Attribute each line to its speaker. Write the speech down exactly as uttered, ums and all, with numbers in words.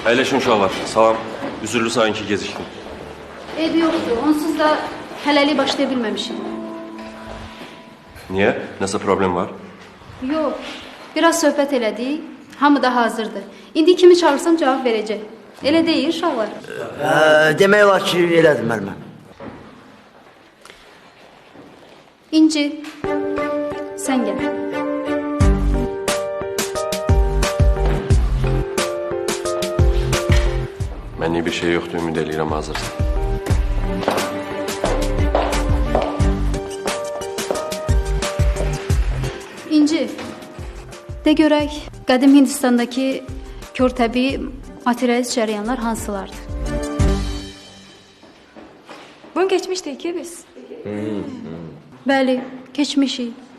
Speaker 1: Əyləşin uşaqlar. Salam. Üzürlü sayın ki gecikdim.
Speaker 2: Ev yoxdur. Onsuz da hələlik başlaya bilməmişim.
Speaker 1: Niyə? Nəsə problem var?
Speaker 2: Yox. Biraz söhbət elədik. Hamı da hazırdır. İndi kimi çağırsam cavab verəcək. Elə deyil uşaqlar.
Speaker 3: Hə, demək olar ki, elədim müəllimə.
Speaker 2: İnci, sən gəl.
Speaker 1: Mənlik bir şey yoxdur, ümid eləyirəm hazırsan.
Speaker 2: İnci, de görək, qədim Hindistandakı kör təbii materialist cərəyanlar hansılardır?
Speaker 4: Bunu geçmiştik ki biz.
Speaker 2: Bəli, keçmişik.